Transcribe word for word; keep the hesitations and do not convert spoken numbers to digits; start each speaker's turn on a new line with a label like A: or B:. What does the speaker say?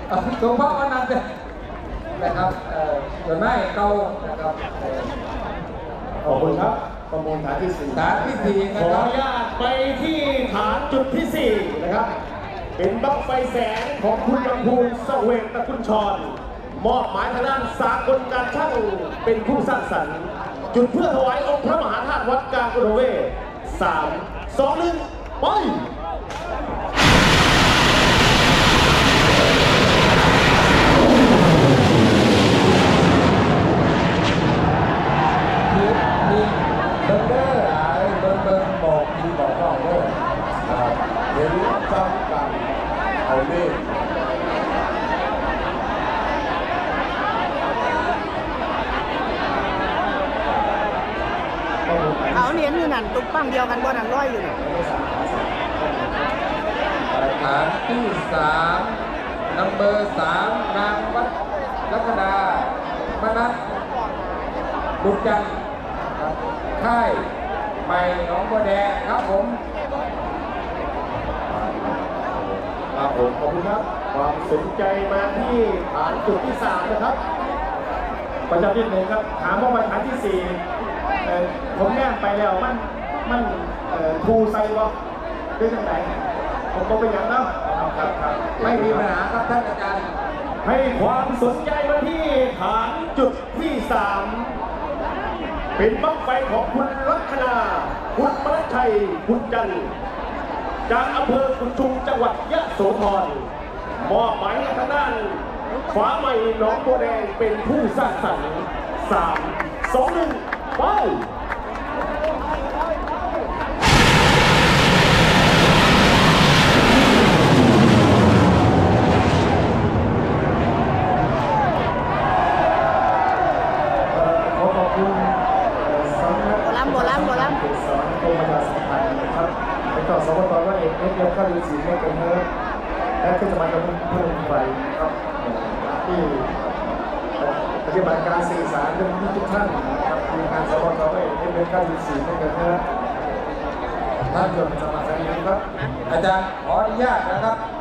A: หลวงพ่อวันนั้นนะครับส่วนไม่เก่านะครับ
B: ขอบคุณครับประมูลฐานที่สี่
A: ฐานที่สี่นะ
B: ขอ
A: ครับ
B: อนุญาตไปที่ฐานจุดที่สี่นะครับเป็นบั้งไฟแสงของคุณลำพูนเสวกตะกุลชรมอบหมายทางด้านสากลการช่างเป็นผู้สร้างสรรค์จุดเพื่อถวายองค์พระมหาธาตุวัดกลางอุดมเวศสามสองหนึ่งไป
A: มีเบอร์เกอร์หลายเบอร์เบอร์บอกมีบอกว่าเบอร์
C: เห็นซ้ำกันเอาเล่
D: เอาเหรียญอยู่นั่นตุ๊กปั้มเดียวกันบ่นั่นร้อยอยู่นั่น
A: ฐานที่สามนัมเบอร์สามนางวัดลัคนามนัสบุญจันทร์ค่ายใหม่หนองบัวแดงครับผม
B: ครับผมขอบคุณครับความสนใจมาที่ฐานจุดที่สามนะครับประจำที่หนึ่งครับถามว่าไปฐานที่สี่ผมแนบไปแล้วมันมันทูไซวะด้วยจังไหนผมก็ไปอย่างนั้นครับครับ
A: ไม่มีปัญหาครับท่านอาจารย์
B: ให้ความสนใจมาที่ฐานจุดที่สามเป็นบั้งไฟของคุณลัคนาคุณมรชัยคุณจันทร์จากอำเภอกุนชุมจังหวัดยะโสธรมอบหมายให้ทางด้านฟ้าใหม่หนองบัวแดงเป็นผู้สร้างสรรค์สามสองหนึ่งไปขอขอบคุณสำนัก
D: โบราณโบราณโบราณ
B: สอนกรมประชาสัมพันธ์นะครับเป็นต่อสวตว่าเอกเอฟเอฟก็ดูสีไม่เป็นเนื้อและก็จะมาจะเพิ่มไฟครับที่ปฏิบัติการสื่อสารเรื่องนี้ทุกท่านนะครับทีมงานสวตว่าเอกเอฟเอฟก็ดูสีไม่เป็นเนื้อท่านเกิดสมัครใจครับ
A: อาจารย์ขออนุญาตนะครับ